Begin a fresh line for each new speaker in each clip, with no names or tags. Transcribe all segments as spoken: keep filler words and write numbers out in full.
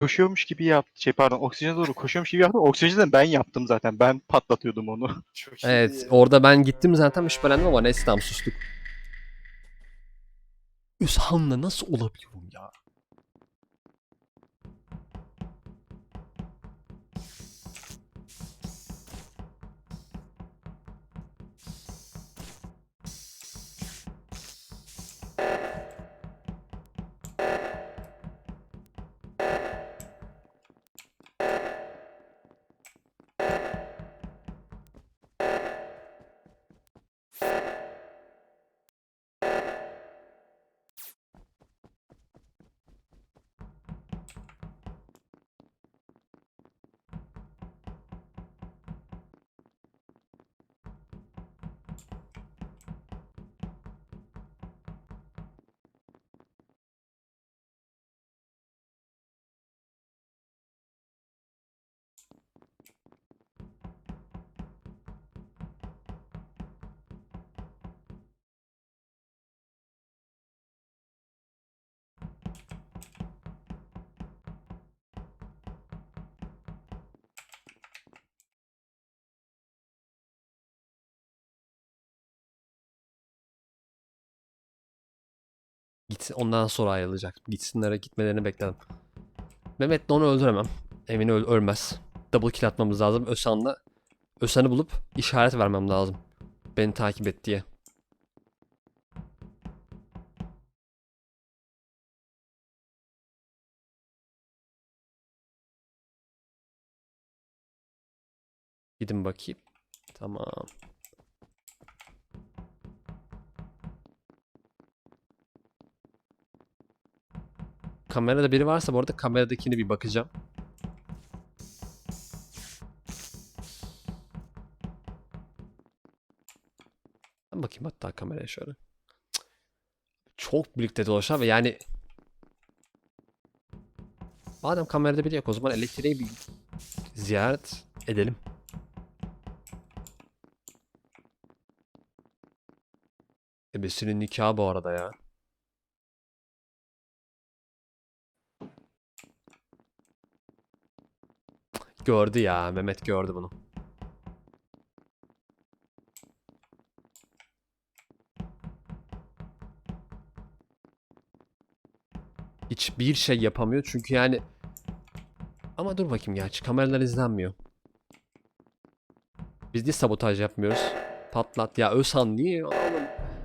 Koşuyormuş gibi yaptı. Şey pardon, oksijene doğru koşuyormuş gibi yaptı. Oksijeni ben yaptım zaten. Ben patlatıyordum onu.
Çok iyi
Evet,
ya.
orada ben gittim zaten şüphelendim ama neyse tamam sustuk. Özhan'la nasıl olabiliyorum ya? Gitsin, ondan sonra ayrılacak. Gitsinlere gitmelerini bekledim. Mehmet'le onu öldüremem. Emin öl ölmez. Double kill atmamız lazım. Özhan'la Özhan'ı bulup işaret vermem lazım. Beni takip et diye. Gidin bakayım. Tamam. Kamerada biri varsa bu arada kameradakini bir bakacağım. Ben bakayım hatta kameraya şöyle. Cık. Çok birlikte dolaşan ve yani madem kamerada biri yok o zaman elektriği bir ziyaret edelim. Ebesinin nikahı bu arada ya. Gördü ya. Mehmet gördü bunu. Hiçbir şey yapamıyor çünkü yani ama dur bakayım gerçi kameralar izlenmiyor. Biz niye sabotaj yapmıyoruz? Patlat ya Özhan niye oğlum?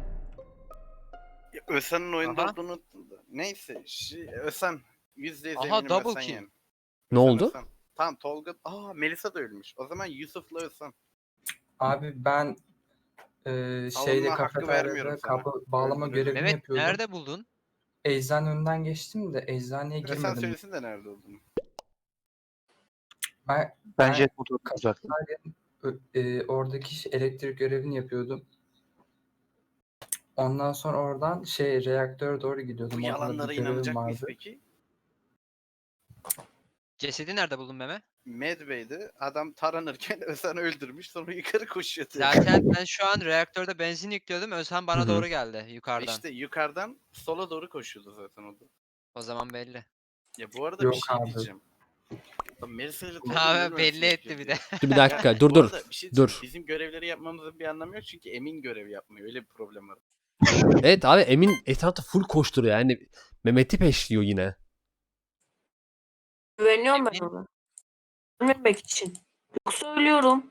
Ya Ösen'in oyunda
Aha.
olduğunu... Neyse. Şey, Ösen. Yüzde yüz
Aha,
eminim
double
Ösen
kill.
yani.
Ne
Ösen,
oldu?
Ösen. Tamam Tolga... Aa Melisa da ölmüş. O zaman Yusuf'la Ösen.
Abi ben e, şeyde
Savunma hakkı vermiyorum
kafeteryada
sana.
kablo bağlama
Öldürürüm.
görevini
Mehmet
yapıyordum.
nerede buldun?
Eczane önünden geçtim de eczaneye
Ösen
girmedim.
söylesin de nerede olduğunu.
Ben,
Ben
ben
jet motoru uzaktım.
kafeteryanın ö- e, oradaki ş- elektrik görevini yapıyordum. Ondan sonra oradan şey reaktöre doğru gidiyordum.
Bu
Orada da
yalanlara
bir görevim
inanacak mıyız
vardı.
peki?
Cesedi nerede buldun Mehmet?
Medbay'de adam taranırken Ösen'i öldürmüş sonra yukarı koşuyor.
Zaten ben şu an reaktörde benzin yüklüyordum. Özhan bana
Hı hı.
doğru geldi yukarıdan.
İşte yukarıdan sola doğru koşuyordu zaten o da.
O zaman belli.
Ya bu arada
Yok
bir şey
abi.
diyeceğim. Ya Melisa ile Tolga
Ha,
niye böyle
belli
şey
etti
yapıyor
bir
diye.
de.
Dur bir dakika
Ya,
dur
bu
dur.
arada bir şey diyeceğim.
Dur.
Bizim görevleri yapmamızın bir anlamı yok çünkü Emin görev yapmıyor. Öyle bir problem var.
Evet abi Emin etrafta full koşturuyor yani Mehmet'i peşliyor yine.
Güveniyorum ben
Emin-
ona. Ölmemek için. Yoksa ölüyorum.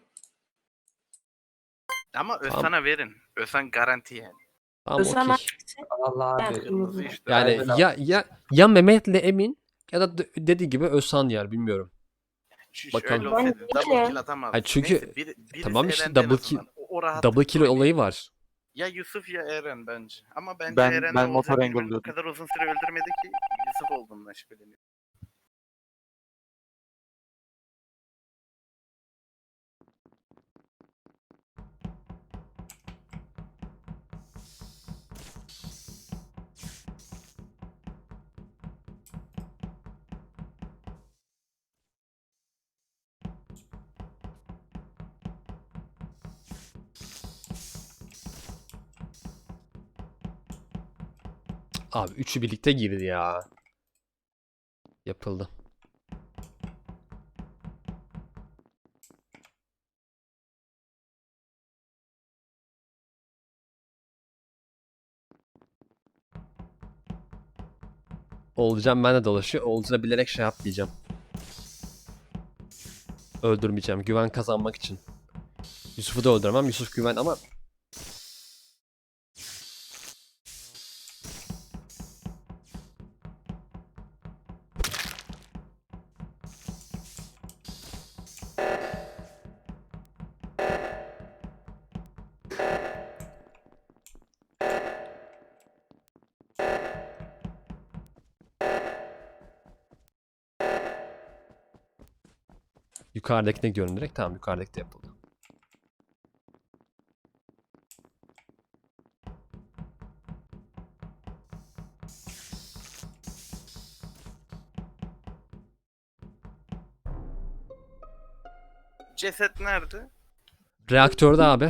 Ama
Tamam.
Ösen'e verin. Ösen garanti yani.
Tamam
Özlem
okey.
hangisi?
Allah
Ben
abi.
Kırmızı işte.
Yani
Aynen abi.
ya ya ya Mehmet'le Emin ya da d- dediği gibi Özhan yer bilmiyorum.
Şu, şu
Bakalım.
öyle olsaydı
Ben
double
değilim.
kill atamazdı.
Hayır, çünkü-
Neyse, bir, birisi
tamam işte
elendi en
double kill-
azından. O, o rahatlıkla
Double kill
oynayın.
olayı var.
Ya Yusuf ya Eren bence. Ama bence
Ben-
Eren
ben
ne
motor
olacak bilmiyorum. O
engel'liyordum.
kadar uzun süre öldürmedi ki Yusuf olduğundan şüpheleniyor.
Abi üçü birlikte girdi ya. Yapıldı. Oğulcan ben de dolaşıyor. Oğulcan'a bilerek şey yapmayacağım. Öldürmeyeceğim. Güven kazanmak için. Yusuf'u da öldüremem. Yusuf güven ama yukarıdakine gidiyorum direkt. Tamam, yukarıdaki de yapıldı.
Ceset nerede?
Reaktörde abi.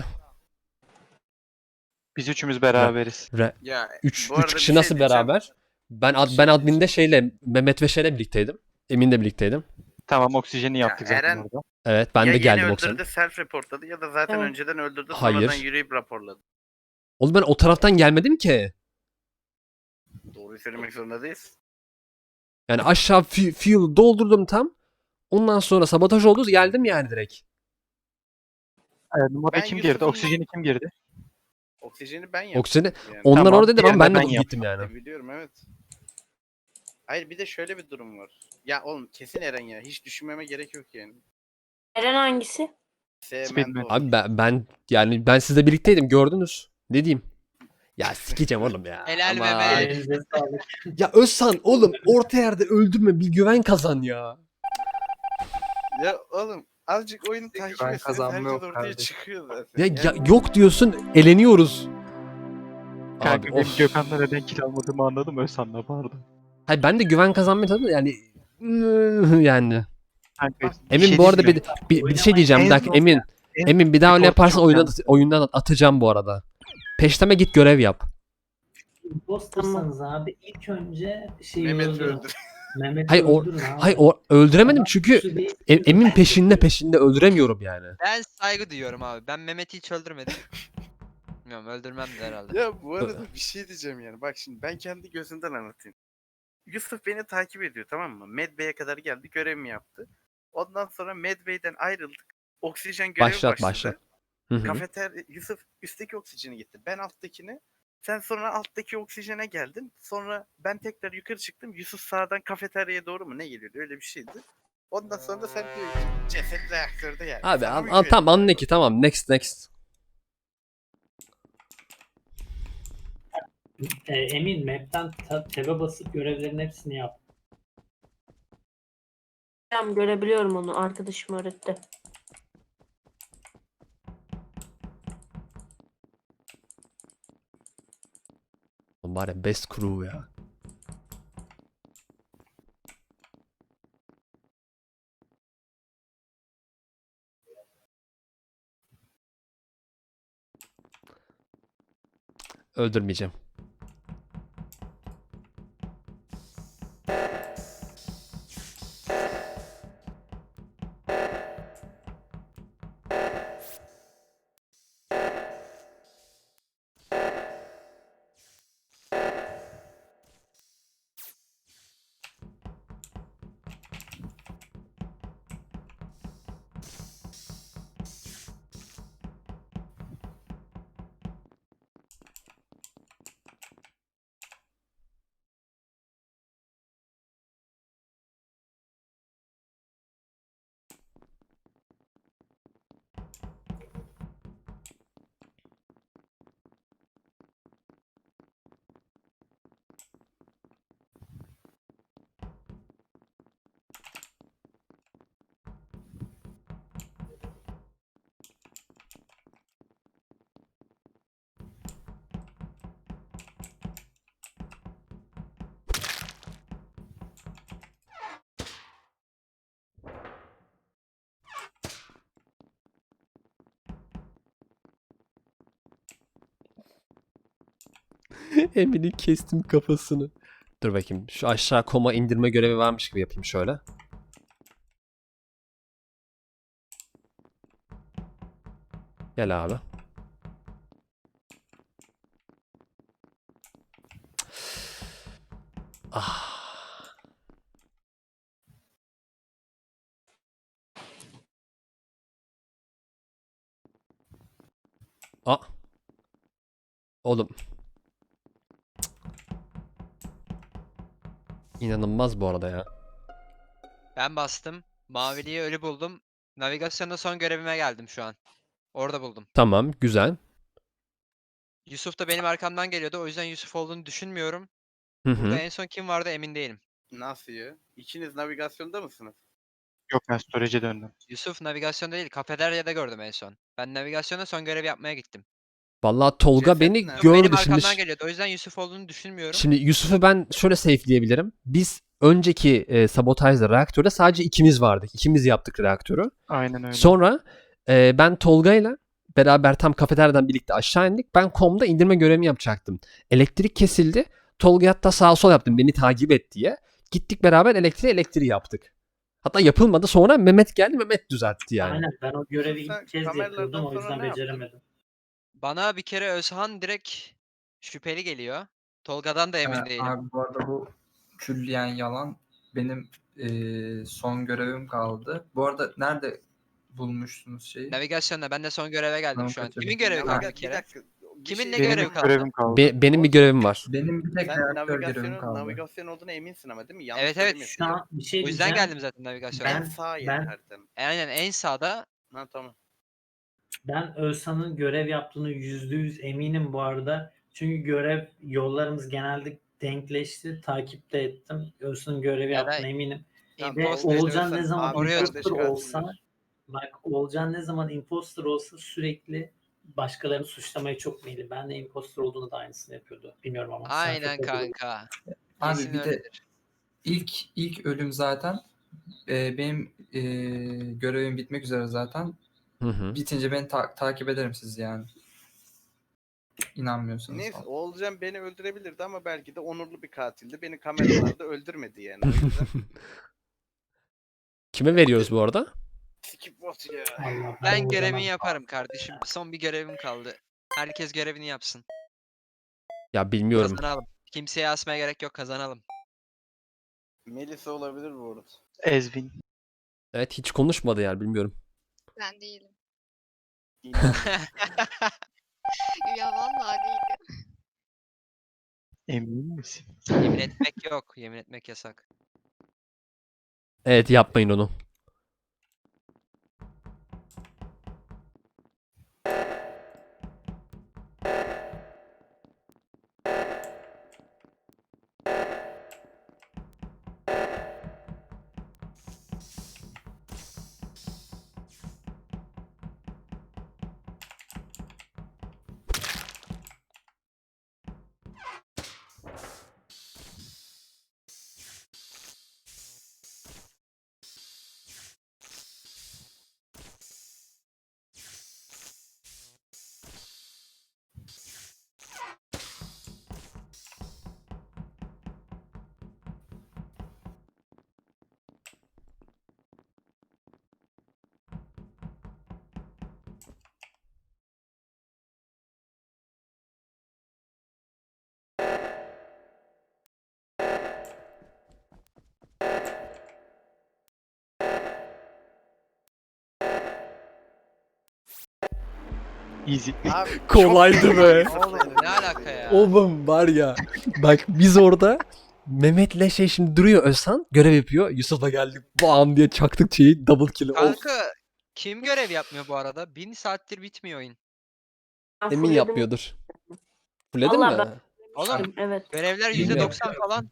Biz üçümüz beraberiz.
Re
Ya
3
bu arada
3
bir
kişi
şey
nasıl
diyeceğim.
beraber? Ben ad,
Bir
ben
şey
adminde şeyle Mehmet ve şeyle birlikteydim. Emin'le birlikteydim.
Tamam, oksijeni yaptık zaten
Eren-
orada.
Evet, ben
ya
de
yeni
geldim
öldürdü
oksijene.
self reportladı ya da zaten
Evet.
önceden öldürdü
Hayır.
sonradan yürüyüp raporladı.
Oğlum ben o taraftan gelmedim ki.
Doğruyu söylemek zorunda değiliz.
Yani aşağı fu- fuel doldurdum tam. Ondan sonra sabotaj oldu, geldim yani direkt.
Evet, numara
Ben
kim girdi?
Yusuf'un-
Oksijeni kim girdi?
Oksijeni ben yaptım.
Oksijeni
yani.
onlar
Tamam,
orada dedim ama ben
diğerine
de
ben
gittim yani.
E, biliyorum evet. Hayır bir de şöyle bir durum var. Ya oğlum kesin Eren ya. Hiç düşünmeme gerek yok yani.
Eren hangisi?
Sevmen
Speedman.
doğru.
Abi ben, ben yani ben sizle birlikteydim, gördünüz. Ne diyeyim? Ya sikeceğim oğlum ya.
Helal
Ama-
Mehmet.
Elinize sağlık.
Ya Özhan oğlum orta yerde öldürme, bir güven kazan ya.
Ya oğlum azıcık oyunu takip
Ben
etseniz
kazanma
herkes
yok
ortaya
kardeşim.
çıkıyor zaten.
Ya, ya
Yani
yok diyorsun, eleniyoruz.
Kanka
Abi
benim
of.
Gökhan'la neden kill almadığımı anladım. Özhan'la pardon.
Hayır ben de güven kazanmayı tabii yani yani.
Kanka,
Emin
şey
bu arada bir,
diyeceğim.
bir, bir şey diyeceğim. Bir
En
dakika
son-
Emin.
en
Emin bir daha öyle
report
yaparsan
çok
oyundan,
yanlış.
oyundan atacağım bu arada. Peşteme git görev yap.
Impostersanız abi ilk önce şeyi
Mehmet
öldürün.
öldür.
Mehmet'i
Hayır, o-
öldürün abi.
Hayır o, öldüremedim
Adam
çünkü
suçlu değil.
E- Emin peşinde peşinde öldüremiyorum yani.
Ben saygı duyuyorum abi. Ben Mehmet'i hiç öldürmedim. Bilmiyorum, öldürmem de herhalde.
Ya bu arada bir şey diyeceğim yani. Bak şimdi ben kendi gözümden anlatayım. Yusuf beni takip ediyor tamam mı? Medbay'e kadar geldi görevimi yaptı. Ondan sonra Medbay'den ayrıldık. Oksijen görevi
Başlat,
başladı.
başlat. Hı hı.
Kafeter Yusuf üstteki oksijeni gitti. Ben alttakini. Sen sonra alttaki oksijene geldin. Sonra ben tekrar yukarı çıktım. Yusuf sağdan kafeteryaya doğru mu ne geliyordu? Öyle bir şeydi. Ondan sonra da sen diyor ki ceset reaktörde yani.
Abi
Sana
an,
mı
an,
güveniyorsun?
tamam anla ki tamam next next.
E, Emin map'ten ta- tab'e basıp görevlerin hepsini yap.
Tamam görebiliyorum onu. Arkadaşım öğretti.
Oğlum var ya best crew ya. Öldürmeyeceğim. Emin'in kestim kafasını. Dur bakayım. Şu aşağı koma indirme görevi varmış gibi yapayım şöyle. Gel abi. Ah. Aa. Oğlum. İnanılmaz bu arada ya.
Ben bastım. Maviliği ölü buldum. Navigasyonda son görevime geldim şu an. Orada buldum.
Tamam, güzel.
Yusuf da benim arkamdan geliyordu. O yüzden Yusuf olduğunu düşünmüyorum.
Hı
Burada
hı.
en son kim vardı emin değilim.
Nasıl ya? İkiniz navigasyonda mısınız?
Yok ben storage'e döndüm.
Yusuf navigasyonda değil, kafeteryada gördüm en son. Ben navigasyonda son görev yapmaya gittim.
Vallahi Tolga
Ceset
beni
nerede?
Yusuf benim
gördü şimdi.
arkamdan geliyordu. O yüzden Yusuf olduğunu düşünmüyorum.
Şimdi Yusuf'u ben şöyle safe'leyebilirim. Biz önceki e, sabotajda reaktörde sadece ikimiz vardık. İkimiz yaptık reaktörü.
Aynen öyle.
Sonra e, ben Tolga'yla beraber tam kafeteryadan birlikte aşağı indik. Ben komda indirme görevimi yapacaktım. Elektrik kesildi. Tolga hatta sağ sol yaptım beni takip et diye. Gittik beraber elektriği elektriği yaptık. Hatta yapılmadı. Sonra Mehmet geldi, Mehmet düzeltti yani.
Aynen ben o görevi
Sen
ilk kez
kameralardan
yapıyordum o
sonra
yüzden
ne yaptın?
beceremedim.
Bana bir kere Özhan direkt şüpheli geliyor. Tolga'dan da emin
Ee,
değilim.
Abi bu arada bu külliyen yalan. Benim eee, son görevim kaldı. Bu arada nerede bulmuştunuz şeyi?
Navigasyonda ben de son göreve geldim
Tamam,
şu an.
kaçırdım.
Kimin görevi
Naviga-
kaldı bir
bir
kere?
dakika, bir
Kimin
şey
ne
Benim
görevi
bir
kaldı?
görevim kaldı.
Be- benim bir görevim var.
Benim bir tek
Sen
reaktör görevim
navigasyonun
kaldı.
navigasyon olduğuna eminsin ama değil mi? Yanlış
Evet, evet.
söylemiyorsun.
Şu an bir şey
O yüzden
diyeceğim.
geldim zaten navigasyona.
En
Ben-
sağ yer
ben-
haritanın.
Aynen en sağda.
Ha tamam.
Ben Özhan'ın görev yaptığını yüzde yüz eminim bu arada. Çünkü görev yollarımız genelde denkleşti. Takip de ettim. Özhan'ın görevi
Ya da
yaptığına eminim.
Tamam,
Ve
imposter
Oğulcan
diyorsan
ne zaman
abi
Oraya-
imposter
kardeş
olsa
kardeş.
bak Oğulcan ne zaman imposter olsa sürekli başkalarını suçlamaya çok meyilli. Ben de imposter olduğunda da aynısını yapıyordu. Bilmiyorum ama. sen
Aynen
çok oldu.
kanka.
Abi
Kesin
bir de
öyledir.
ilk ilk ölüm zaten eee, benim eee, görevim bitmek üzere zaten.
Hı hı.
Bitince beni ta- takip ederim siz yani. İnanmıyorsanız.
Neyse
falan.
Oğulcan beni öldürebilirdi ama belki de onurlu bir katildi. Beni kameralarda öldürmedi yani. O yüzden
Kime veriyoruz bu arada?
skip bot ya.
Allah,
Ben
Oğulcan'a-
görevimi yaparım kardeşim. Son bir görevim kaldı. Herkes görevini yapsın.
Ya bilmiyorum.
Kazanalım. Kimseye asmaya gerek yok, kazanalım.
Melisa olabilir bu arada.
Ezvin.
Evet hiç konuşmadı yani bilmiyorum.
Ben değilim.
İnan.
Ya vallahi değilim.
Emin misin?
Yemin etmek yok. Yemin etmek yasak.
Evet yapmayın onu.
Easy.
Abi,
Kolaydı
çok-
be.
Oğlum ne alaka ya?
Oğlum var ya. Bak biz orada Mehmet'le şey şimdi duruyor Özhan. Görev yapıyor. Yusuf'a geldik. Bam diye çaktık şeyi. Double kill. Of.
Kanka kim görev yapmıyor bu arada? Bin saattir bitmiyor oyun.
Ben
Emin
fullledim.
yapmıyordur. Fulledin
Vallahi
mi?
Oğlum
Evet.
görevler
Bilmiyorum.
yüzde doksan falan.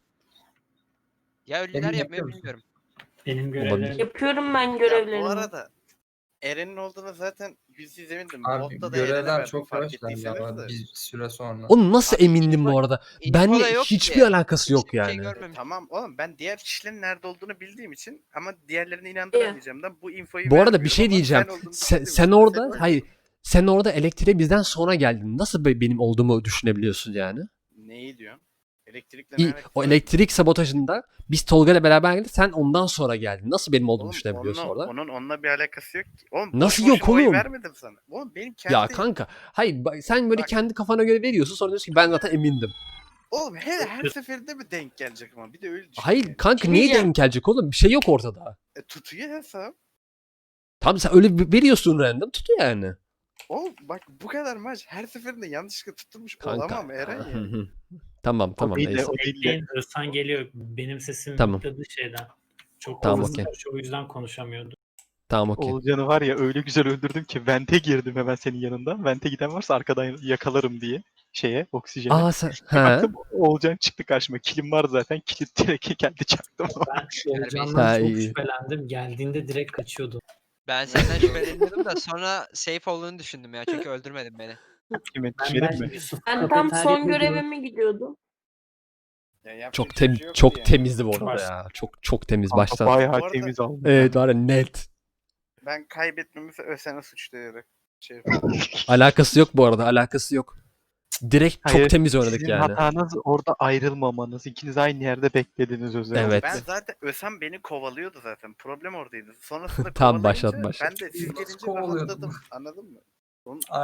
Ya ölüler
Emin
yapmıyor
yapıyor musun?
bilmiyorum.
Benim
Olabilir.
görevlerim.
Yapıyorum ben
Ya
görevlerimi.
bu arada Eren'in olduğuna zaten yüzsüz emindim.
Abi
Botta da Eren'e
görevler
verdim
çok
fark
yavaşlar
ettiyseniz
ya
de.
bir süre sonra.
Oğlum nasıl
Abi
emindim
info-
bu arada?
info da
Benle
yok
hiçbir
ki.
alakası yok
Hiçbir şey
yani.
görmemiş.
Tamam oğlum ben diğer kişilerin nerede olduğunu bildiğim için ama diğerlerini inandıramayacağımdan bu infoyu
Bu arada bir
vermiyorum
şey
ama
diyeceğim.
sen olduğunu
Sen,
bildiğim
sen
için
orada
seni
hayır
öldürdüm.
sen orada elektriğe bizden sonra geldin. Nasıl be- benim olduğumu düşünebiliyorsun yani?
Neyi diyorsun? Elektrikle ne
İyi,
alakası
o
var?
elektrik sabotajında biz Tolga ile beraber geldik. Sen ondan sonra geldin. Nasıl benim olduğumu
Oğlum,
düşünebiliyorsun
onunla-
orada?
Onun onunla bir alakası yok ki. Oğlum, boş
Nasıl
boşuna
yok
oy
oğlum?
vermedim sana. Oğlum benim kendi...
Ya kanka hayır bak, sen böyle
Bak.
kendi kafana göre veriyorsun sonra diyorsun ki ben zaten emindim.
Oğlum her, her seferinde mi denk gelecek ama bir de öyle düşün.
Hayır
yani.
kanka
Şey
niye
diyeceğim.
denk gelecek oğlum? Bir şey yok ortada.
E, tutuyor hesap.
Tamam sen öyle bir- veriyorsun random tutuyor yani.
Oğlum bak bu kadar maç her seferinde yanlışlıkla tutturmuş
Kanka.
olamam Eren
Hı
ya.
hı. Tamam tamam
değil de
neyse.
o değil de.
Bekleyin Özhan geliyor. Benim sesim
Tamam.
mutladı şeyden. Çok
Tamam,
hızlı
okey.
konuşuyor, o yüzden konuşamıyordu.
Tamam okey.
Oğulcan'ı var ya öyle güzel öldürdüm ki vente girdim hemen senin yanında. Vente giden varsa arkadan yakalarım diye şeye oksijene.
Aa sen
Bir
he.
baktım Oğulcan çıktı karşıma. Kilim var zaten. Kilit direkt geldi çaktım.
Ben
Terbiyesiz.
Olcan'dan
Ha,
çok
iyi.
şüphelendim. Geldiğinde direkt kaçıyordu.
Ben senden şüpheleniyordum da sonra safe olduğunu düşündüm ya çünkü öldürmedin beni.
Kime
Ben,
düşelim
ben
mi?
Yusuf
Ben tam son
kafeteryada
görevime gidiyordum.
Ya yapacak
Çok
bir
tem
şey yoktu
çok
yani.
temizdi bu arada
Baş-
ya. Çok çok temiz
Kanka
baştan.
bayağı
Bu arada-
temiz aldım.
Evet var ya net.
Ben kaybetmemizi Ösen'e suçlayarak şey
Alakası yok bu arada. Alakası yok. Direkt çok
Hayır,
temiz oynadık
Sizin
yani.
hatanız orada ayrılmamanız. İkiniz aynı yerde beklediniz özellikle.
Evet.
Ben zaten Ösen beni kovalıyordu zaten. Problem oradaydı. Sonrasında
Tamam,
kovalayınca
başlat, başlat.
ben de siz
Nasıl
gelince
kovalıyordun?
rahatladım. Anladın mı? Onun